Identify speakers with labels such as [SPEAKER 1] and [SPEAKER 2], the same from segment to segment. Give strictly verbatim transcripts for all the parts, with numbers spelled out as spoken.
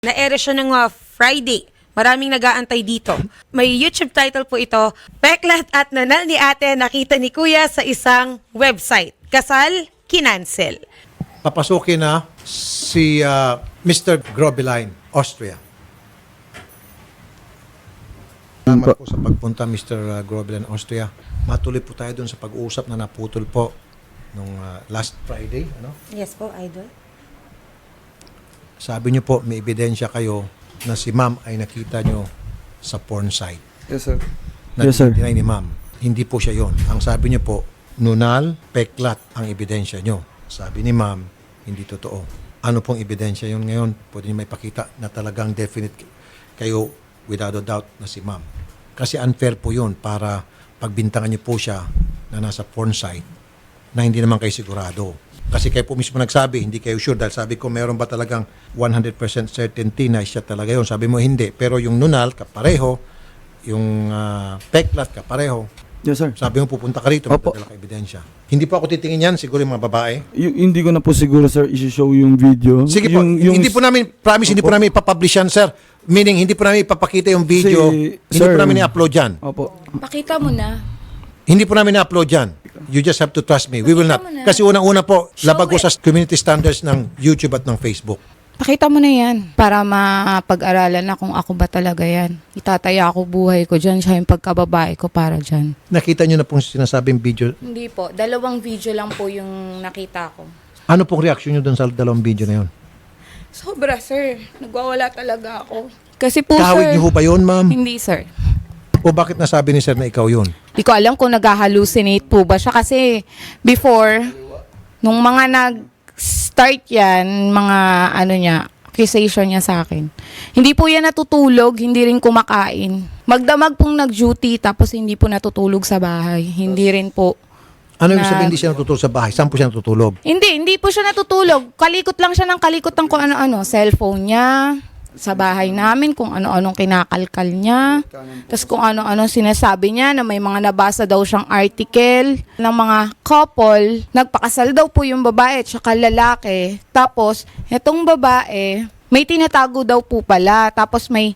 [SPEAKER 1] Na-ere siya ng uh, Friday. Maraming nag-aantay dito. May YouTube title po ito, Peklat at Nanal ni Ate nakita ni Kuya sa isang website. Kasal, kinancel.
[SPEAKER 2] Papasukin na si uh, Mister Grobeline, Austria. Salamat po sa pagpunta, Mister Grobeline, Austria. Matuloy po tayo dun sa pag-uusap na naputol po nung uh, last Friday. Ano?
[SPEAKER 1] Yes po, Idol.
[SPEAKER 2] Sabi niyo po, may ebidensya kayo na si ma'am ay nakita niyo sa porn site.
[SPEAKER 3] Yes, sir.
[SPEAKER 2] Na
[SPEAKER 3] Yes, sir.
[SPEAKER 2] tinay ni ma'am. Hindi po siya yon. Ang sabi niyo po, nunal, peklat ang ebidensya niyo. Sabi ni ma'am, hindi totoo. Ano pong ebidensya yon ngayon? Pwede niyo may pakita na talagang definite kayo without a doubt na si ma'am. Kasi unfair po yun para pagbintangan niyo po siya na nasa porn site na hindi naman kayo sigurado. Kasi kayo po mismo nagsabi, hindi kayo sure. Dahil sabi ko, meron ba talagang one hundred percent certainty na siya talaga yun? Sabi mo, hindi. Pero yung nunal, kapareho. Yung uh, peklat, kapareho.
[SPEAKER 3] Yes, sir.
[SPEAKER 2] Sabi mo, pupunta ka rito,
[SPEAKER 3] Opo.
[SPEAKER 2] magdadala ka ebidensya. Hindi po ako titingin yan, siguro yung mga babae.
[SPEAKER 3] Y- hindi ko na po siguro, sir, isi-show yung video.
[SPEAKER 2] Sige po,
[SPEAKER 3] yung, yung,
[SPEAKER 2] hindi po namin, promise, hindi po
[SPEAKER 3] Opo.
[SPEAKER 2] namin ipapublish yan, sir. Meaning, hindi po namin ipapakita yung video.
[SPEAKER 3] Si-
[SPEAKER 2] hindi
[SPEAKER 3] sir.
[SPEAKER 2] po namin i-upload yan.
[SPEAKER 3] Opo.
[SPEAKER 4] Pakita mo na.
[SPEAKER 2] Hindi po namin i-upload yan. You just have to trust me. We will not.
[SPEAKER 4] Pakita mo na.
[SPEAKER 2] Kasi unang-una po,
[SPEAKER 4] Show
[SPEAKER 2] labag ko
[SPEAKER 4] it.
[SPEAKER 2] sa community standards ng YouTube at ng Facebook.
[SPEAKER 4] Pakita mo na yan para mapag-aralan na kung ako ba talaga yan. Itataya ako buhay ko dyan. Siya yung pagkababae ko para dyan.
[SPEAKER 2] Nakita nyo na pong sinasabing video.
[SPEAKER 4] Hindi po. Dalawang video lang po yung nakita ko.
[SPEAKER 2] Ano pong reaction nyo doon sa dalawang video na yun?
[SPEAKER 4] Sobra, sir. Nagwawala talaga ako. Kasi po,
[SPEAKER 2] Kahawig
[SPEAKER 4] sir.
[SPEAKER 2] niyo ho ba yun, ma'am?
[SPEAKER 4] Hindi, sir.
[SPEAKER 2] O bakit nasabi ni sir na ikaw yun?
[SPEAKER 4] Hindi ko alam kung nag-hallucinate po ba siya kasi before, nung mga nag-start yan, mga ano niya, accusation niya sa akin. Hindi po yan natutulog, hindi rin kumakain. Magdamag pong nag-duty tapos hindi po natutulog sa bahay. Hindi rin po.
[SPEAKER 2] Ano yung
[SPEAKER 4] Na-
[SPEAKER 2] sabihin hindi siya natutulog sa bahay? Saan po siya natutulog?
[SPEAKER 4] Hindi, hindi po siya natutulog. Kalikot lang siya ng kalikot ng kung ano-ano. Cellphone niya, sa bahay namin, kung ano-anong kinakalkal niya. Tapos kung ano-anong sinasabi niya na may mga nabasa daw siyang article ng mga couple. Nagpakasal daw po yung babae at saka lalaki. Tapos, etong babae, may tinatago daw po pala. Tapos may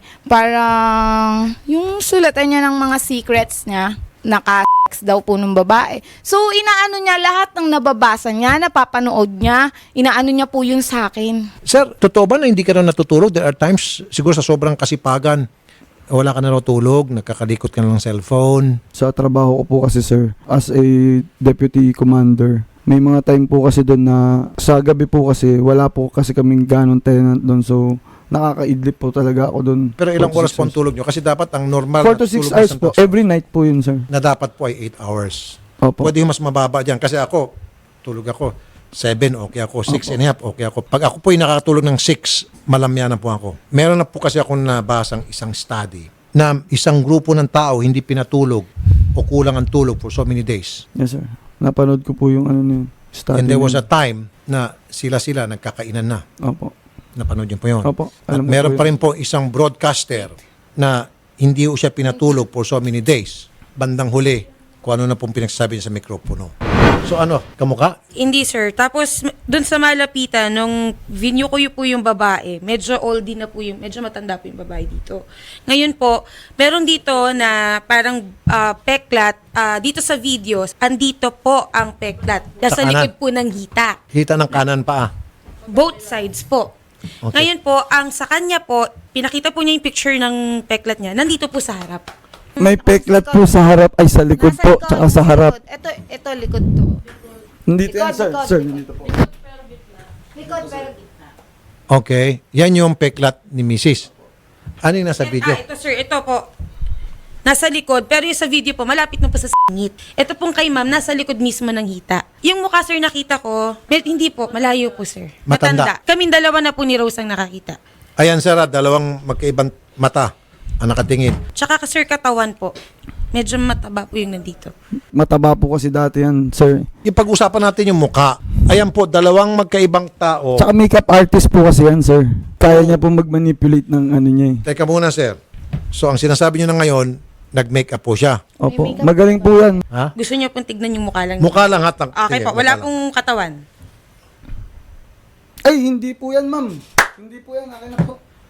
[SPEAKER 4] parang yung sulatan niya ng mga secrets niya. Naka daw po ng babae. So, inaano niya lahat ng nababasa niya, napapanood niya, inaano niya po yun sa akin.
[SPEAKER 2] Sir, totoo ba na hindi ka na natutulog? There are times, siguro sa sobrang kasipagan, wala ka na natutulog, nagkakalikot ka na ng cellphone.
[SPEAKER 3] Sa trabaho ko po kasi, sir, as a deputy commander, may mga time po kasi doon na sa gabi po kasi wala po kasi kaming ganong tenant doon. So, nakakaidlip po talaga ako doon.
[SPEAKER 2] Pero ilang
[SPEAKER 3] four to
[SPEAKER 2] oras
[SPEAKER 3] six
[SPEAKER 2] po ang tulog nyo? Kasi dapat ang normal
[SPEAKER 3] four to six
[SPEAKER 2] tulog ng
[SPEAKER 3] hours
[SPEAKER 2] isang
[SPEAKER 3] po.
[SPEAKER 2] tao
[SPEAKER 3] Every night po yun, sir.
[SPEAKER 2] na dapat po ay eight hours.
[SPEAKER 3] Opo.
[SPEAKER 2] Pwede yung mas mababa dyan. Kasi ako, tulog ako seven, okay ako. six and a half, okay ako. Pag ako po ay nakakatulog ng six, malamyanan po ako. Meron na po kasi akong nabasang isang study na isang grupo ng tao hindi pinatulog o kulang ang tulog for so many days.
[SPEAKER 3] Yes, sir. Napanood ko po yung ano na yun. Study
[SPEAKER 2] And there was
[SPEAKER 3] na
[SPEAKER 2] a time na sila-sila nagkakainan na.
[SPEAKER 3] yun. Opo.
[SPEAKER 2] Napanood yun po yun.
[SPEAKER 3] Opo.
[SPEAKER 2] At
[SPEAKER 3] Alam ko
[SPEAKER 2] meron
[SPEAKER 3] po
[SPEAKER 2] pa
[SPEAKER 3] yun.
[SPEAKER 2] rin po isang broadcaster na hindi po siya pinatulog for so many days. Bandang huli, kung ano na pong pinagsasabi niya sa mikropono. So ano, kamuka?
[SPEAKER 1] Hindi, sir. Tapos, m- dun sa malapitan, nung vinyo ko po yung babae, medyo oldie na po yung, medyo matanda po yung babae dito. Ngayon po, meron dito na parang ah, peklat, ah, dito sa videos, andito po ang peklat. Nasa
[SPEAKER 2] Sa kanan.
[SPEAKER 1] likod po ng hita.
[SPEAKER 2] Hita ng kanan pa ah.
[SPEAKER 1] Both sides po.
[SPEAKER 2] Okay.
[SPEAKER 1] Ngayon po, ang sa kanya po, pinakita po niya yung picture ng peklat niya, nandito po sa harap.
[SPEAKER 3] May peklat po sa harap, ay sa likod po,
[SPEAKER 4] Nasa
[SPEAKER 3] tsaka sa harap.
[SPEAKER 4] Ito, ito likod to.
[SPEAKER 3] Nandito yan,
[SPEAKER 4] Likod,
[SPEAKER 3] sir.
[SPEAKER 4] likod.
[SPEAKER 3] Sir, nandito po.
[SPEAKER 4] Likod pero gitna.
[SPEAKER 2] Okay, yan yung peklat ni missus Ano yung nasa video?
[SPEAKER 1] Ah, ito sir, ito po. Nasa likod, pero yung sa video po, malapit na po sa singit. Ito pong kay ma'am, nasa likod mismo ng hita. Yung mukha sir nakita ko, med- hindi po, malayo po sir.
[SPEAKER 2] Matanda.
[SPEAKER 1] Kaming dalawa na po ni Rose ang nakakita.
[SPEAKER 2] Ayan sir, ah, dalawang magkaibang mata ang nakatingin.
[SPEAKER 1] Tsaka ka sir katawan po, medyo mataba po yung nandito.
[SPEAKER 3] Mataba po kasi dati yan, sir.
[SPEAKER 2] Yung pag-usapan natin yung mukha. Ayan po, dalawang magkaibang tao.
[SPEAKER 3] Tsaka makeup artist po kasi yan, sir. Kaya niya po mag-manipulate ng ano niya eh.
[SPEAKER 2] Teka muna sir. So ang sinasabi niyo na ngayon, nag-make up po siya.
[SPEAKER 3] Opo.
[SPEAKER 4] May makeup
[SPEAKER 3] Magaling po yan.
[SPEAKER 2] Ha?
[SPEAKER 1] Gusto niyo pong tignan yung mukha lang.
[SPEAKER 2] Mukha lang hatang.
[SPEAKER 1] Okay po, wala pong katawan.
[SPEAKER 3] Ay, hindi po yan, ma'am. Hindi po yan. Akin na po.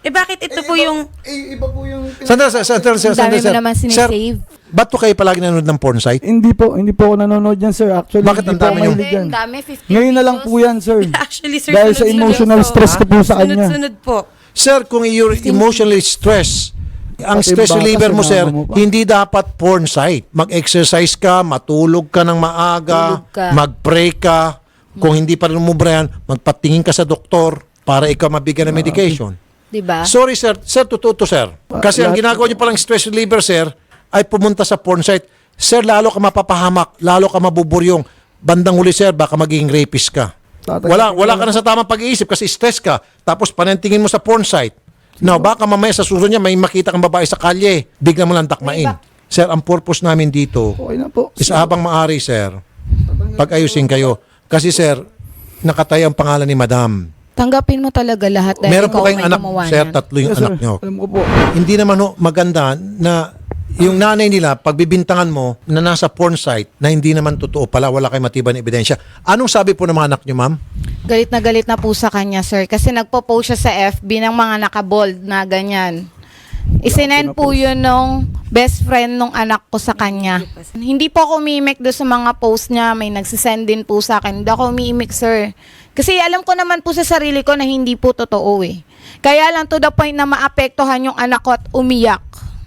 [SPEAKER 1] Eh bakit ito po yung...
[SPEAKER 3] Eh, iba po yung...
[SPEAKER 2] Sandali, sir, sandali, sir,
[SPEAKER 4] Ang dami
[SPEAKER 2] sandali,
[SPEAKER 4] mo
[SPEAKER 2] sir.
[SPEAKER 4] naman
[SPEAKER 2] Sir,
[SPEAKER 4] sinisave.
[SPEAKER 2] ba't po kayo palagi nanonood ng porn site?
[SPEAKER 3] Hindi po, hindi po ako nanonood yan, sir. Actually,
[SPEAKER 2] Bakit
[SPEAKER 3] hindi
[SPEAKER 2] ang
[SPEAKER 3] po
[SPEAKER 2] dami
[SPEAKER 3] ako
[SPEAKER 2] nyo?
[SPEAKER 3] mahilig yan.
[SPEAKER 4] Ang dami, fifteen
[SPEAKER 3] Ngayon na lang
[SPEAKER 4] videos.
[SPEAKER 3] po yan, sir.
[SPEAKER 1] Actually, sir,
[SPEAKER 3] Dahil sa
[SPEAKER 1] sunod-sunod
[SPEAKER 3] emotional
[SPEAKER 1] po.
[SPEAKER 3] stress ko po sa kanya.
[SPEAKER 1] Sunod-sunod po.
[SPEAKER 2] Sir, kung you're emotionally stressed, ang
[SPEAKER 3] Pati
[SPEAKER 2] stress
[SPEAKER 3] baka
[SPEAKER 2] reliever mo, sir,
[SPEAKER 3] sinama mo pa.
[SPEAKER 2] hindi dapat porn site. Mag-exercise ka, matulog ka ng maaga,
[SPEAKER 4] Tulog ka.
[SPEAKER 2] mag-pray ka. Kung hindi pa rin umubra yan, magpatingin ka sa doktor para ikaw mabigyan ng medication.
[SPEAKER 4] Diba?
[SPEAKER 2] Sorry, sir. Sir, totoo to, sir. Kasi ang
[SPEAKER 3] lahat-
[SPEAKER 2] ginagawa niyo palang stress reliever, sir, ay pumunta sa porn site. Sir, lalo ka mapapahamak, lalo ka mabuburyong. Bandang huli, sir, baka magiging rapist ka.
[SPEAKER 3] Tatay-
[SPEAKER 2] Wala, wala ka na sa tamang pag-iisip kasi stress ka. Tapos panentingin mo sa porn site. Now, baka mamaya sa susunod niya may makita kang babae sa kalye. Bigla mo lang takmain. Sir, ang purpose namin dito
[SPEAKER 3] Okay na po.
[SPEAKER 2] is habang maari, sir, pag-ayusin kayo. Kasi, sir, nakataya ang pangalan ni Madam.
[SPEAKER 4] Tanggapin mo talaga lahat dahil
[SPEAKER 2] Meron
[SPEAKER 4] ikaw
[SPEAKER 2] po kayong
[SPEAKER 4] may
[SPEAKER 2] anak,
[SPEAKER 4] gumawa
[SPEAKER 2] sir,
[SPEAKER 4] niyan.
[SPEAKER 2] tatlo yung
[SPEAKER 3] Yes, sir.
[SPEAKER 2] anak niyo.
[SPEAKER 3] Alam ko po.
[SPEAKER 2] Hindi naman ho maganda na yung nanay nila, pagbibintangan mo na nasa porn site na hindi naman totoo pala, wala kayong matibay na ebidensya. Anong sabi po ng mga anak niyo, ma'am?
[SPEAKER 4] Galit na galit na po sa kanya, sir. Kasi nagpo-post siya sa F B ng mga nakabold na ganyan. Isinend po yun nung best friend nung anak ko sa kanya. Hindi po ako umiimik doon sa mga post niya. May nagsisend din po sa akin. Hindi ako umiimik, sir. Kasi alam ko naman po sa sarili ko na hindi po totoo eh. Kaya lang to the point na maapektuhan yung anak ko at umiyak.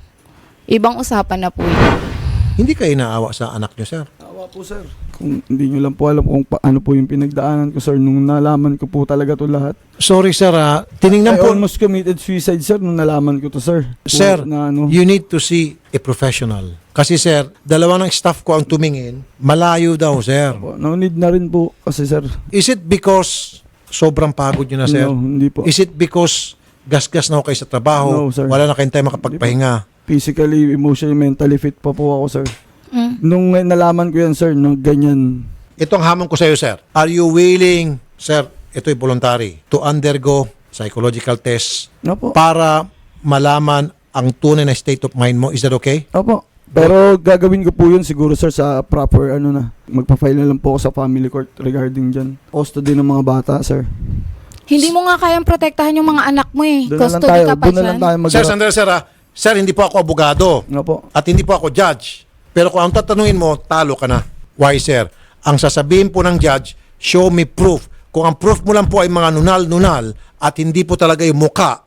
[SPEAKER 4] Ibang usapan na po yun.
[SPEAKER 2] Hindi kayo naawa sa anak niyo, sir.
[SPEAKER 3] Awa po, sir. Kung hindi nyo lang po alam kung paano po yung pinagdaanan ko, sir, nung nalaman ko po talaga to lahat.
[SPEAKER 2] Sorry, sir. ah. Tiningnan
[SPEAKER 3] I
[SPEAKER 2] po,
[SPEAKER 3] almost committed suicide, sir, nung nalaman ko to, sir.
[SPEAKER 2] sir,
[SPEAKER 3] Na, ano,
[SPEAKER 2] you need to see a professional. Kasi, sir, dalawa ng staff ko ang tumingin. Malayo daw, sir.
[SPEAKER 3] po, no need na rin po kasi, sir.
[SPEAKER 2] Is it because sobrang pagod niyo na, sir?
[SPEAKER 3] No, hindi po.
[SPEAKER 2] Is it because gasgas na ho kayo sa trabaho?
[SPEAKER 3] No, sir.
[SPEAKER 2] Wala na kayong time makapagpahinga?
[SPEAKER 3] Physically, emotionally, mentally fit pa po ako, sir.
[SPEAKER 4] Mm.
[SPEAKER 3] Nung nalaman ko yan, sir, nung ganyan,
[SPEAKER 2] Ito ang hamon ko sa iyo, sir. Are you willing, sir, ito'y voluntary, to undergo psychological test
[SPEAKER 3] no po.
[SPEAKER 2] para malaman ang tunay na state of mind mo? Is that okay?
[SPEAKER 3] Opo. Pero gagawin ko po yun siguro, sir, sa proper, ano na, magpa-file na lang po ako sa family court regarding dyan. Custody ng mga bata, sir.
[SPEAKER 4] Hindi mo nga kayang protektahan yung mga anak mo eh.
[SPEAKER 3] Doon na lang
[SPEAKER 4] Custody
[SPEAKER 3] tayo,
[SPEAKER 4] ka pa
[SPEAKER 3] doon na lang
[SPEAKER 4] dyan.
[SPEAKER 3] tayo mag-
[SPEAKER 2] Sir, sandali, sir, ah. Sir, hindi po ako abogado
[SPEAKER 3] Nga po.
[SPEAKER 2] at hindi po ako judge. Pero kung ang tatanungin mo, talo ka na. Why, sir? Ang sasabihin po ng judge, show me proof. Kung ang proof mo lang po ay mga nunal-nunal at hindi po talaga yung muka,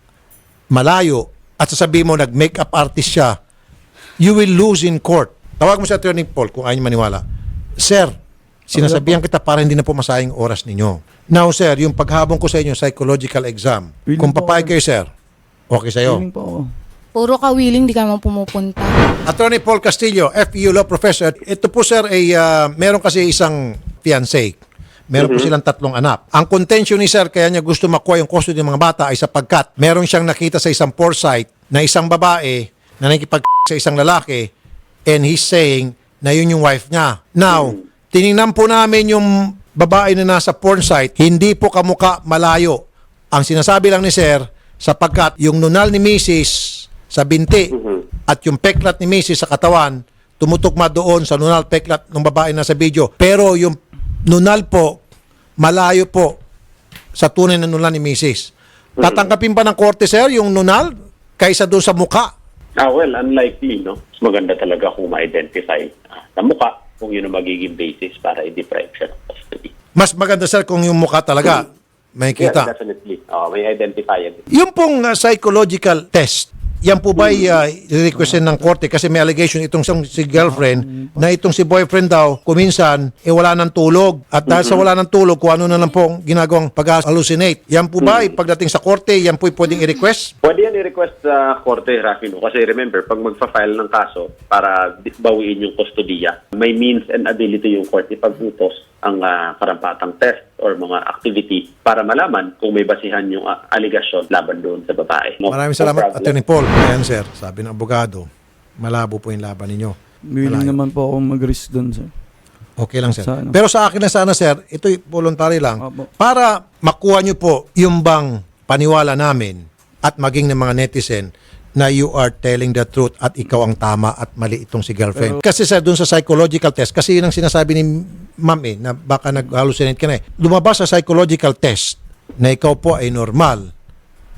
[SPEAKER 2] malayo, at sasabihin mo nag-makeup artist siya, you will lose in court. Tawag mo si Attorney Paul kung ayaw niyo maniwala. Sir, sinasabihan kita para hindi na po masayang oras ninyo. Now, sir, yung paghabong ko sa inyo, psychological exam,
[SPEAKER 3] Willing
[SPEAKER 2] kung
[SPEAKER 3] po
[SPEAKER 2] papayag
[SPEAKER 3] ako.
[SPEAKER 2] kayo, sir, okay sa'yo.
[SPEAKER 3] Willing po ako.
[SPEAKER 4] Puro ka willing, di ka naman pumupunta.
[SPEAKER 2] Attorney Paul Castillo, F E U Law Professor. Ito po, sir, ay ah, meron kasi isang fiancé. Meron po silang tatlong anak. Ang contention ni sir, kaya niya gusto makuha yung custody ng mga bata ay sapagkat meron siyang nakita sa isang porn site na isang babae na nakikipag sa isang lalaki and he's saying na yun yung wife niya. Now, tiningnan po namin yung babae na nasa porn site, hindi po kamuka malayo. Ang sinasabi lang ni sir, sapagkat yung nunal ni Missus sa binti at yung peklat ni Missus sa katawan, tumutugma doon sa nunal peklat ng babae na sa video. Pero yung nunal po, malayo po sa tunay na nunal ni Missus Tatanggapin pa ng korte, sir, yung nunal kaysa doon sa muka?
[SPEAKER 5] Ah, well, unlikely, no? Mas maganda talaga kung ma-identify ah, sa mukha kung yun ang magiging basis para i-deprive siya ng custody.
[SPEAKER 2] Mas maganda, sir, kung yung muka talaga may
[SPEAKER 5] Yeah,
[SPEAKER 2] kita.
[SPEAKER 5] definitely. Uh, may identify yan.
[SPEAKER 2] Yung pong uh, psychological test, yan po ba ay uh, requestin ng korte kasi may allegation itong si girlfriend na itong si boyfriend daw kuminsan eh wala ng tulog at dahil sa wala ng tulog kung ano na lang po ginagawang pag-hallucinate. Yan po ba ay pagdating sa korte, yan po ay pwedeng i-request?
[SPEAKER 5] Pwede yan i-request sa korte, Rafi, no? Kasi remember, pag magfa-file ng kaso para di- bawiin yung kustodiya, may means and ability yung court ipag-utos ang ah, karampatang test or mga activity para malaman kung may basihan yung ah, aligasyon laban doon sa babae. No?
[SPEAKER 2] Maraming
[SPEAKER 5] No
[SPEAKER 2] salamat,
[SPEAKER 5] problem.
[SPEAKER 2] Attorney Paul. Ayan, sir, sabi ng abogado, malabo po yung laban ninyo.
[SPEAKER 3] Willing
[SPEAKER 2] Malayo.
[SPEAKER 3] naman po ako mag-risk doon, sir.
[SPEAKER 2] Okay lang, sir.
[SPEAKER 3] Sana.
[SPEAKER 2] Pero sa akin na sana, sir, ito'y voluntary lang.
[SPEAKER 3] Opo.
[SPEAKER 2] Para makuha nyo po yung bang paniwala namin at maging ng mga netizen na you are telling the truth at ikaw ang tama at mali itong si girlfriend. kasi sir, dun sa psychological test, kasi yun ang sinasabi ni ma'am eh, na baka nag-hallucinate ka na eh. Lumabas sa psychological test na ikaw po ay normal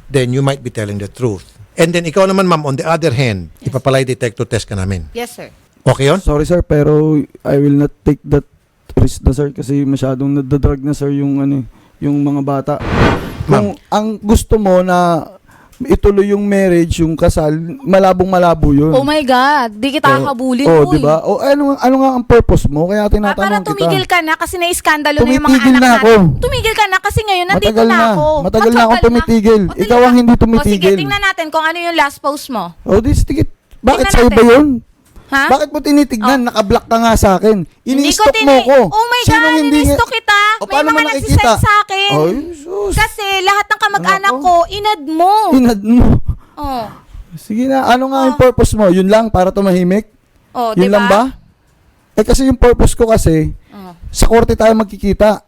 [SPEAKER 2] then you might be telling the truth. And then ikaw naman, ma'am, on the other hand, ipapalay detector test ka namin.
[SPEAKER 4] Yes, sir.
[SPEAKER 2] Okay yun?
[SPEAKER 3] Sorry sir, pero I will not take that risk na sir kasi masyadong nadadrag na sir yung ano, yung mga bata. Kung ang gusto mo na ituloy yung marriage, yung kasal, malabong malabo yun.
[SPEAKER 4] Oh my God, di kita kakabulin.
[SPEAKER 3] Oh,
[SPEAKER 4] uy.
[SPEAKER 3] di ba? O ano ano nga ang purpose mo? Kaya
[SPEAKER 4] Ah, para
[SPEAKER 3] tinatanong
[SPEAKER 4] tumigil
[SPEAKER 3] kita.
[SPEAKER 4] ka na kasi naiskandalo na yung mga
[SPEAKER 3] Tumitigil
[SPEAKER 4] anak
[SPEAKER 3] na
[SPEAKER 4] natin.
[SPEAKER 3] ako.
[SPEAKER 4] Tumigil ka na kasi ngayon nandito
[SPEAKER 3] Matagal
[SPEAKER 4] na
[SPEAKER 3] na.
[SPEAKER 4] ako.
[SPEAKER 3] Matagal na akong tumitigil.
[SPEAKER 4] O,
[SPEAKER 3] Ikaw ang hindi
[SPEAKER 4] O sige,
[SPEAKER 3] tumitigil.
[SPEAKER 4] tingnan natin kung ano yung last post mo.
[SPEAKER 3] Oh, this ticket. Bakit
[SPEAKER 4] Tingnan
[SPEAKER 3] sa iba
[SPEAKER 4] natin.
[SPEAKER 3] yun?
[SPEAKER 4] Ha?
[SPEAKER 3] Bakit mo tinitignan? Naka-block ka nga sa akin.
[SPEAKER 4] Hindi ko
[SPEAKER 3] Ini-stop mo
[SPEAKER 4] tini-
[SPEAKER 3] ko.
[SPEAKER 4] Oh my
[SPEAKER 3] Sinong
[SPEAKER 4] God,
[SPEAKER 3] hindi
[SPEAKER 4] ini-stalk
[SPEAKER 3] nga-
[SPEAKER 4] kita.
[SPEAKER 3] O,
[SPEAKER 4] May
[SPEAKER 3] paano
[SPEAKER 4] mga
[SPEAKER 3] mo
[SPEAKER 4] nagsisend
[SPEAKER 3] nakikita?
[SPEAKER 4] sa akin.
[SPEAKER 3] Ay, sus.
[SPEAKER 4] Kasi lahat ng kamag-anak
[SPEAKER 3] Ano
[SPEAKER 4] ko, inad mo.
[SPEAKER 3] Inad mo.
[SPEAKER 4] Oh.
[SPEAKER 3] Sige na, ano nga
[SPEAKER 4] Oh.
[SPEAKER 3] yung purpose mo? Yun lang, para tumahimik?
[SPEAKER 4] Oh,
[SPEAKER 3] Yun
[SPEAKER 4] diba?
[SPEAKER 3] lang ba? Eh kasi yung purpose ko kasi,
[SPEAKER 4] Oh.
[SPEAKER 3] sa korte tayo magkikita.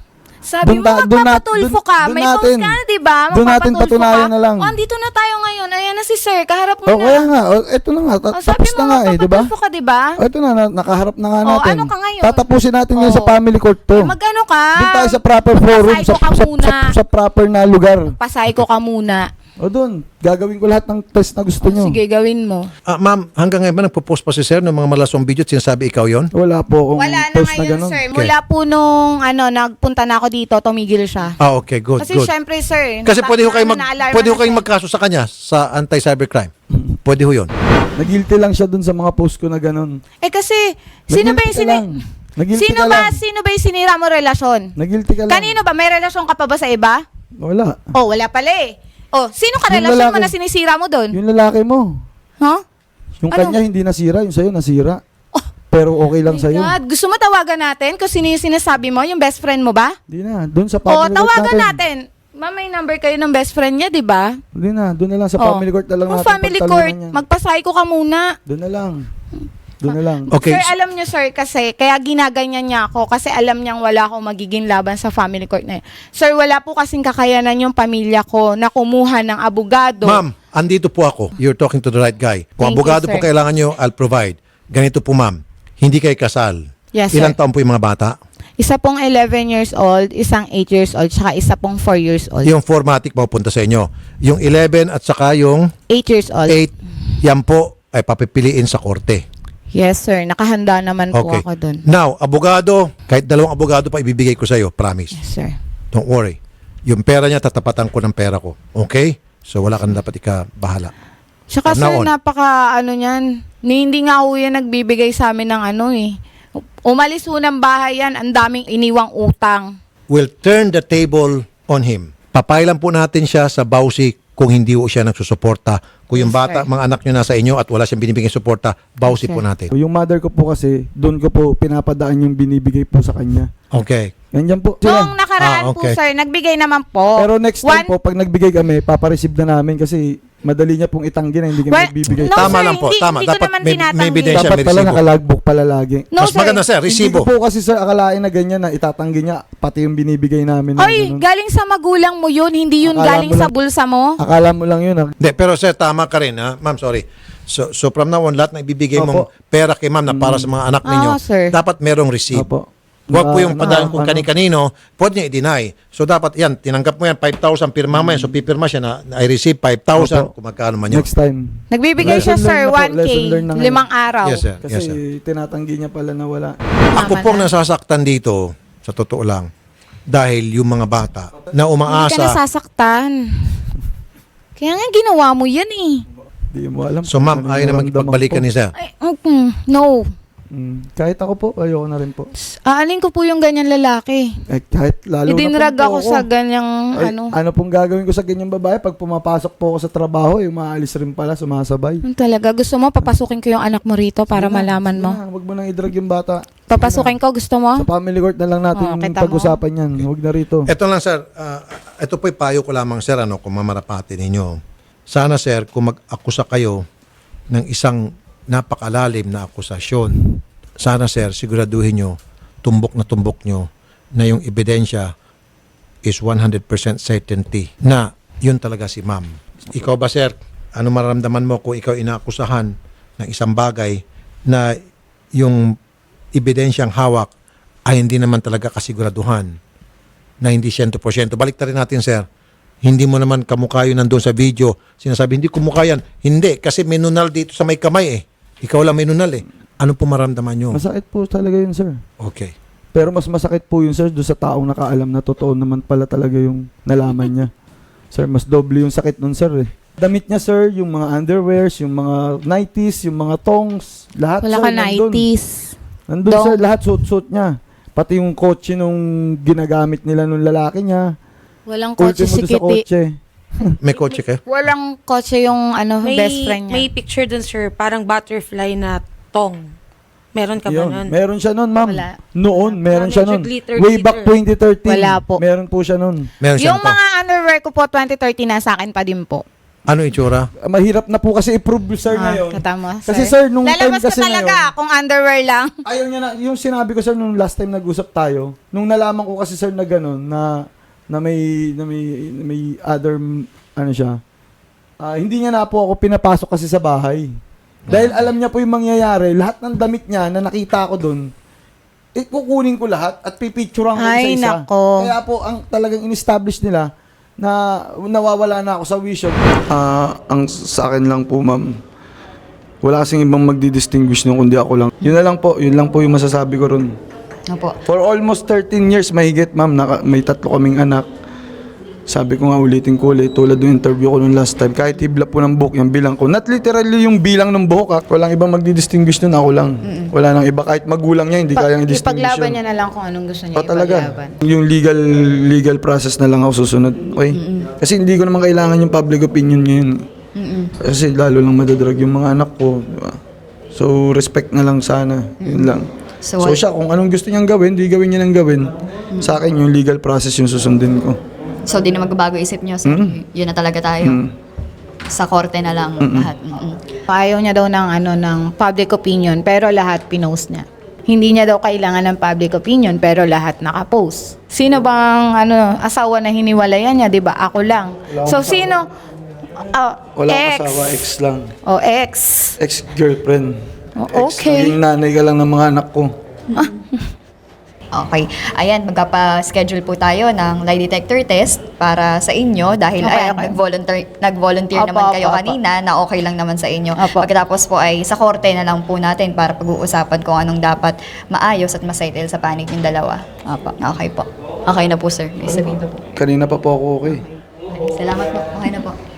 [SPEAKER 4] Sabi
[SPEAKER 3] Dun
[SPEAKER 4] mo,
[SPEAKER 3] ta- dun nat-
[SPEAKER 4] magpapatulfo
[SPEAKER 3] dun-
[SPEAKER 4] ka.
[SPEAKER 3] dun
[SPEAKER 4] May
[SPEAKER 3] natin.
[SPEAKER 4] post ka na, diba?
[SPEAKER 3] Dun natin
[SPEAKER 4] Magpapatulfo
[SPEAKER 3] patunayan
[SPEAKER 4] ka.
[SPEAKER 3] na lang.
[SPEAKER 4] Oh, andito na tayo ngayon. Ayan na si sir. Kaharap mo
[SPEAKER 3] O
[SPEAKER 4] na.
[SPEAKER 3] kaya nga, o, eto na nga, ta-
[SPEAKER 4] Oh, sabi
[SPEAKER 3] tapos
[SPEAKER 4] mo,
[SPEAKER 3] na nga eh, di ba?
[SPEAKER 4] magpapatulfo ka, diba?
[SPEAKER 3] O eto na, na, nakaharap na nga
[SPEAKER 4] Oh,
[SPEAKER 3] natin.
[SPEAKER 4] ano ka ngayon?
[SPEAKER 3] Tatapusin natin yan
[SPEAKER 4] Oh.
[SPEAKER 3] sa family court to.
[SPEAKER 4] Mag-ano ka?
[SPEAKER 3] Doon tayo sa proper forum,
[SPEAKER 4] Pasay
[SPEAKER 3] sa,
[SPEAKER 4] ko ka
[SPEAKER 3] sa,
[SPEAKER 4] muna.
[SPEAKER 3] sa, sa proper na lugar.
[SPEAKER 4] Pasay ko ka muna.
[SPEAKER 3] O doon, gagawin ko lahat ng test na gusto nyo.
[SPEAKER 4] Sige, gawin mo.
[SPEAKER 2] Ah, ma'am, hanggang ngayon ba nagpo-post pa si sir ng mga malasong video at sinasabi ikaw yon?
[SPEAKER 3] Wala po akong
[SPEAKER 4] Wala na
[SPEAKER 3] post na
[SPEAKER 4] ngayon,
[SPEAKER 3] ganun.
[SPEAKER 4] sir. Mula po nung ano, nagpunta na ako dito, tumigil siya.
[SPEAKER 2] Ah, okay, good,
[SPEAKER 4] Kasi
[SPEAKER 2] good.
[SPEAKER 4] syempre, sir.
[SPEAKER 2] Kasi pwede ho kayo mag
[SPEAKER 4] na-alarma
[SPEAKER 2] pwede ho
[SPEAKER 4] na
[SPEAKER 2] kayong
[SPEAKER 4] siya.
[SPEAKER 2] magkaso sa kanya sa anti-cybercrime. Pwede ho 'yon.
[SPEAKER 3] Nagilty lang siya doon sa mga post ko na ganun.
[SPEAKER 4] Eh kasi, sino ba yung
[SPEAKER 3] Nagilty ka
[SPEAKER 4] sini...
[SPEAKER 3] lang. Nagilty
[SPEAKER 4] Sino
[SPEAKER 3] ka
[SPEAKER 4] ba,
[SPEAKER 3] lang.
[SPEAKER 4] sino ba yung sinira mo relasyon?
[SPEAKER 3] Nagilty ka lang.
[SPEAKER 4] Kanino ba? May relasyon ka pa ba sa iba?
[SPEAKER 3] Wala.
[SPEAKER 4] Oh, wala pala eh. Oh, sino ka
[SPEAKER 3] Yung
[SPEAKER 4] relasyon mo
[SPEAKER 3] lalaki.
[SPEAKER 4] na sinisira mo doon?
[SPEAKER 3] Yung lalaki mo.
[SPEAKER 4] Huh?
[SPEAKER 3] Yung
[SPEAKER 4] Ano?
[SPEAKER 3] kanya hindi nasira, yung sa'yo nasira. Pero okay lang
[SPEAKER 4] My
[SPEAKER 3] sa'yo.
[SPEAKER 4] God, gusto mo tawagan natin kung sino yung sinasabi mo? Yung best friend mo ba?
[SPEAKER 3] Hindi na, doon sa
[SPEAKER 4] Oh,
[SPEAKER 3] family court
[SPEAKER 4] tawagan
[SPEAKER 3] natin.
[SPEAKER 4] natin. Ma'am, may number kayo ng best friend niya, di ba?
[SPEAKER 3] Hindi na, doon na lang sa
[SPEAKER 4] Oh.
[SPEAKER 3] family court na lang
[SPEAKER 4] Kung
[SPEAKER 3] natin.
[SPEAKER 4] family
[SPEAKER 3] pagtalunan
[SPEAKER 4] court,
[SPEAKER 3] yan.
[SPEAKER 4] magpasay ko ka muna.
[SPEAKER 3] Doon na lang. Doon na lang.
[SPEAKER 2] Okay.
[SPEAKER 4] Sir, alam niyo sir, kasi kaya ginaganyan niya ako kasi alam niyang wala akong magiging laban sa family court na yun. Sir, wala po kasing kakayanan yung pamilya ko na kumuha ng abogado.
[SPEAKER 2] Ma'am, andito po ako. You're talking to the right guy. Kung
[SPEAKER 4] Thank you,
[SPEAKER 2] abogado po
[SPEAKER 4] sir.
[SPEAKER 2] kailangan nyo, I'll provide. Ganito po, ma'am. Hindi kayo kasal.
[SPEAKER 4] Yes,
[SPEAKER 2] Ilang
[SPEAKER 4] sir.
[SPEAKER 2] taon po yung mga bata?
[SPEAKER 4] Isa pong eleven years old, isang eight years old, saka isa pong four years old.
[SPEAKER 2] Yung formatic mapupunta sa inyo. Yung eleven at saka yung
[SPEAKER 4] eight years old.
[SPEAKER 2] eight, yan po ay papipiliin sa korte.
[SPEAKER 4] Yes, sir. Nakahanda naman po
[SPEAKER 2] Okay.
[SPEAKER 4] ako dun.
[SPEAKER 2] Now, abogado, kahit dalawang abogado pa ibibigay ko sa iyo, promise.
[SPEAKER 4] Yes, sir.
[SPEAKER 2] Don't worry. Yung pera niya, tatapatan ko ng pera ko. Okay? So, wala ka na dapat ika-bahala.
[SPEAKER 4] Tsaka
[SPEAKER 2] From now
[SPEAKER 4] sir,
[SPEAKER 2] on.
[SPEAKER 4] napaka ano niyan. Ni, hindi nga ho yan nagbibigay sa amin ng ano eh. Umalis ho ng bahay yan, ang daming iniwang utang.
[SPEAKER 2] We'll turn the table on him. Papailan po natin siya sa bawsi kung hindi po siya nagsusuporta. Kung yung
[SPEAKER 4] Yes,
[SPEAKER 2] bata,
[SPEAKER 4] sir.
[SPEAKER 2] mga anak nyo nasa inyo at wala siyang binibigay suporta, bawsi
[SPEAKER 4] Yes,
[SPEAKER 2] po
[SPEAKER 4] sir.
[SPEAKER 2] natin.
[SPEAKER 3] Yung mother ko po kasi, doon ko po pinapadaan yung binibigay po sa kanya.
[SPEAKER 2] Okay.
[SPEAKER 3] Ganyan po.
[SPEAKER 4] Noong
[SPEAKER 3] Sila.
[SPEAKER 4] nakaraan
[SPEAKER 2] Ah, okay.
[SPEAKER 4] po sir, nagbigay naman po.
[SPEAKER 3] Pero next time
[SPEAKER 4] One-
[SPEAKER 3] po, pag nagbigay kami, papareceive na namin kasi madali niya pong itanggi na hindi kami
[SPEAKER 4] Well,
[SPEAKER 3] nagbibigay.
[SPEAKER 4] no,
[SPEAKER 2] Tama
[SPEAKER 4] sir,
[SPEAKER 2] lang po,
[SPEAKER 4] hindi-
[SPEAKER 2] tama.
[SPEAKER 4] hindi ko
[SPEAKER 2] Dapat
[SPEAKER 4] naman
[SPEAKER 2] may- may
[SPEAKER 4] tinatanggi.
[SPEAKER 2] ebidensya.
[SPEAKER 3] Dapat
[SPEAKER 2] may
[SPEAKER 3] pala
[SPEAKER 2] resibo.
[SPEAKER 3] nakalagbook pala lagi.
[SPEAKER 4] No,
[SPEAKER 2] Mas
[SPEAKER 4] sir.
[SPEAKER 2] maganda, sir.
[SPEAKER 3] Hindi
[SPEAKER 2] Resibo.
[SPEAKER 3] ko po kasi sir akalain na ganyan na itatanggi niya pati yung binibigay namin. na
[SPEAKER 4] Oy,
[SPEAKER 3] ganun.
[SPEAKER 4] galing sa magulang mo yun, hindi yun
[SPEAKER 3] Akala
[SPEAKER 4] galing
[SPEAKER 3] mo
[SPEAKER 4] sa
[SPEAKER 3] lang-
[SPEAKER 4] bulsa mo.
[SPEAKER 3] Akala mo lang yun. ah.
[SPEAKER 2] Hindi, pero sir, tama ka rin, ha? Ma'am, sorry. So, so from now on, lahat na ibibigay mong
[SPEAKER 3] Opo.
[SPEAKER 2] pera kay ma'am na para sa mga anak ninyo,
[SPEAKER 4] Ah, sir.
[SPEAKER 2] dapat merong receipt.
[SPEAKER 3] Opo.
[SPEAKER 2] Huwag po
[SPEAKER 3] Na-
[SPEAKER 2] yung
[SPEAKER 3] na-
[SPEAKER 2] padaan kung
[SPEAKER 3] ano,
[SPEAKER 2] kani-kanino, pwede niya i-deny. So dapat yan, tinanggap mo yan, five thousand, pirma mo yan. So pipirma siya na, na I receive five thousand,
[SPEAKER 3] Opo.
[SPEAKER 2] kung magkano man yun.
[SPEAKER 3] Next time.
[SPEAKER 4] Nagbibigay
[SPEAKER 3] Lesson
[SPEAKER 4] siya sir,
[SPEAKER 3] learned na po,
[SPEAKER 4] one K,
[SPEAKER 3] lesson learned na ngayon.
[SPEAKER 4] limang araw.
[SPEAKER 2] Yes, sir.
[SPEAKER 3] Kasi
[SPEAKER 2] Yes, sir.
[SPEAKER 3] tinatanggi niya pala na wala.
[SPEAKER 2] Ako
[SPEAKER 4] Tama
[SPEAKER 2] pong
[SPEAKER 4] na.
[SPEAKER 2] nasasaktan dito, sa totoo lang, dahil yung mga bata na
[SPEAKER 4] Hindi ka
[SPEAKER 2] umaasa.
[SPEAKER 4] nasasaktan. Kaya nga ginawa mo yan eh.
[SPEAKER 3] Di mo alam.
[SPEAKER 2] So ma'am,
[SPEAKER 3] kung ano
[SPEAKER 2] ayaw
[SPEAKER 3] yung
[SPEAKER 2] na
[SPEAKER 3] naramdaman
[SPEAKER 2] makipagbalikan
[SPEAKER 3] ko.
[SPEAKER 2] ni sir.
[SPEAKER 4] Ay, mm, no.
[SPEAKER 3] Mm, kahit ako po, ayoko na rin po.
[SPEAKER 4] Aalin ko po yung ganyan lalaki.
[SPEAKER 3] Eh, kahit lalo
[SPEAKER 4] Idinrag
[SPEAKER 3] na po
[SPEAKER 4] ako sa ganyang
[SPEAKER 3] Ay,
[SPEAKER 4] ano.
[SPEAKER 3] ano pong gagawin ko sa ganyang babae pag pumapasok po ako sa trabaho, yung maalis rin pala, sumasabay.
[SPEAKER 4] Yung talaga, gusto mo, papasukin ko yung anak mo rito para
[SPEAKER 3] Sige na,
[SPEAKER 4] malaman
[SPEAKER 3] sige
[SPEAKER 4] mo.
[SPEAKER 3] na, Huwag mo nang idrag yung bata.
[SPEAKER 4] Papasukin ko, gusto mo?
[SPEAKER 3] Sa family court na lang natin
[SPEAKER 4] Oh, kita mo.
[SPEAKER 3] pag-usapan yan. Huwag na rito.
[SPEAKER 2] Ito lang sir, ah, ito po'y payo ko lamang sir, ano, kung mamarapati ninyo. Sana sir, kung mag-akusa kayo ng isang napakalalim na akusasyon, sana sir, siguraduhin nyo, tumbok na tumbok nyo, na yung ebidensya is one hundred percent certainty na yun talaga si ma'am. Ikaw ba sir, ano mararamdaman mo kung ikaw inaakusahan ng isang bagay na yung ebidensyang hawak ay hindi naman talaga kasiguraduhan, na hindi one hundred percent. Balik na rin natin sir, Hindi mo naman kamukha yun nandun sa video. Sinasabi, hindi kumukha yan. Hindi, kasi may nunal dito sa may kamay eh. Ikaw lang may nunal eh. Ano po maramdaman nyo?
[SPEAKER 3] Masakit po talaga yun, sir.
[SPEAKER 2] Okay.
[SPEAKER 3] Pero mas masakit po yun, sir, doon sa taong nakaalam na totoo naman pala talaga yung nalaman niya. Sir, mas doble yung sakit nun, sir eh. Damit niya, sir, yung mga underwears, yung mga nighties, yung mga tongs, lahat,
[SPEAKER 4] Wala
[SPEAKER 3] sir,
[SPEAKER 4] ka
[SPEAKER 3] nandun.
[SPEAKER 4] nineties.
[SPEAKER 3] Nandun,
[SPEAKER 4] Dong.
[SPEAKER 3] sir, lahat suit-suit niya. Pati yung kotse nung ginagamit nila nung lalaki niya.
[SPEAKER 4] Walang kotse
[SPEAKER 3] Ultimo
[SPEAKER 4] si
[SPEAKER 3] doon sa
[SPEAKER 4] Kitty.
[SPEAKER 3] kotse.
[SPEAKER 2] May kotse kayo?
[SPEAKER 4] Walang kotse yung ano,
[SPEAKER 1] May,
[SPEAKER 4] best friend niya.
[SPEAKER 1] may picture dun, sir, parang butterfly na tong. Meron ka ba
[SPEAKER 3] Yun.
[SPEAKER 1] nun?
[SPEAKER 3] Meron siya nun, ma'am.
[SPEAKER 4] Wala.
[SPEAKER 3] Noon, meron
[SPEAKER 1] Wala.
[SPEAKER 3] siya nun.
[SPEAKER 1] Medyo glitter,
[SPEAKER 3] Way back
[SPEAKER 1] glitter.
[SPEAKER 3] twenty thirteen.
[SPEAKER 4] Wala po.
[SPEAKER 3] Meron po siya nun.
[SPEAKER 2] Meron siya
[SPEAKER 4] Yung
[SPEAKER 2] nito.
[SPEAKER 4] mga underwear ko po, twenty thirteen na sa akin pa din po.
[SPEAKER 2] Ano itsura?
[SPEAKER 3] Ah, Mahirap na po kasi i-prove, sir,
[SPEAKER 4] Ah,
[SPEAKER 3] ngayon.
[SPEAKER 4] katama,
[SPEAKER 3] Kasi, sir, nung time
[SPEAKER 4] Lalabas
[SPEAKER 3] kasi
[SPEAKER 4] ka talaga
[SPEAKER 3] ngayon,
[SPEAKER 4] kung underwear lang.
[SPEAKER 3] ayaw niya na, yung sinabi ko, sir, nung last time nag-usap tayo, nung nalaman ko kasi, sir, na gano'n, na, na may, na may, na may other, ano siya, ah, hindi niya na po ako pinapasok kasi sa bahay. Dahil alam niya po yung mangyayari, lahat ng damit niya na nakita ko doon, eh, kukunin ko lahat at pipicturean ko
[SPEAKER 4] Ay,
[SPEAKER 3] isa-isa.
[SPEAKER 4] nako.
[SPEAKER 3] Kaya po, ang talagang in-establish nila, na nawawala na ako sa vision. Ah, ang sa akin lang po, ma'am, wala kasing ibang magdi-distinguish nung kundi ako lang. Yun na lang po, yun lang po yung masasabi ko ron.
[SPEAKER 6] Opo.
[SPEAKER 3] For almost thirteen years, mahigit, ma'am, naka, may tatlo kaming anak. Sabi ko nga ulitin ko ulit, tulad ng interview ko nung last time, kahit hibla po ng buhok yung bilang ko. Not literally yung bilang ng buhok, ha? Walang ibang magdi-distinguish nun, ako lang. Wala nang iba, kahit magulang niya, hindi kayang i-distinguish
[SPEAKER 6] Ipaglaban
[SPEAKER 3] yun.
[SPEAKER 6] niya na lang kung anong gusto niya
[SPEAKER 3] Pa talaga.
[SPEAKER 6] ipaglaban.
[SPEAKER 3] Yung legal legal process na lang ako susunod. Okay? Kasi hindi ko naman kailangan yung public opinion ngayon. Kasi lalo lang madadrag yung mga anak ko. Diba? So, respect na lang sana. Yun lang.
[SPEAKER 6] So,
[SPEAKER 3] So,
[SPEAKER 6] what-
[SPEAKER 3] siya, kung anong gusto niyang gawin, di gawin niya nang gawin. Sa akin, yung legal process yung susundin ko.
[SPEAKER 6] So, di na magbabago isip niyo. So, yun na talaga tayo. Sa korte na lang lahat. Mm-mm.
[SPEAKER 4] Ayaw niya daw ng ano ng public opinion pero lahat pinost niya. Hindi niya daw kailangan ng public opinion pero lahat nakapost. Sino bang ano asawa na hiniwalayan niya, 'di ba? Ako lang. So sino Ah,
[SPEAKER 3] Wala
[SPEAKER 4] ex.
[SPEAKER 3] akong asawa, ex lang.
[SPEAKER 4] O ex.
[SPEAKER 3] Ex-girlfriend.
[SPEAKER 4] Oh,
[SPEAKER 3] Ex,
[SPEAKER 4] okay.
[SPEAKER 3] naging nanay ka lang ng mga anak ko.
[SPEAKER 6] Okay. Ayan, magkapa-schedule po tayo ng lie detector test para sa inyo dahil
[SPEAKER 4] Okay,
[SPEAKER 6] ay,
[SPEAKER 4] okay.
[SPEAKER 6] nag-volunteer, nag-volunteer
[SPEAKER 4] Opo,
[SPEAKER 6] naman
[SPEAKER 4] opo,
[SPEAKER 6] kayo
[SPEAKER 4] opo.
[SPEAKER 6] kanina na okay lang naman sa inyo.
[SPEAKER 4] Opo.
[SPEAKER 6] Pagkatapos po ay sa korte na lang po natin para pag-uusapan kung anong dapat maayos at masettle sa panig ng dalawa. Opo. Okay po. Okay na po, sir. May sabihin po.
[SPEAKER 3] Kanina pa po ako okay.
[SPEAKER 6] Salamat po. Okay na po.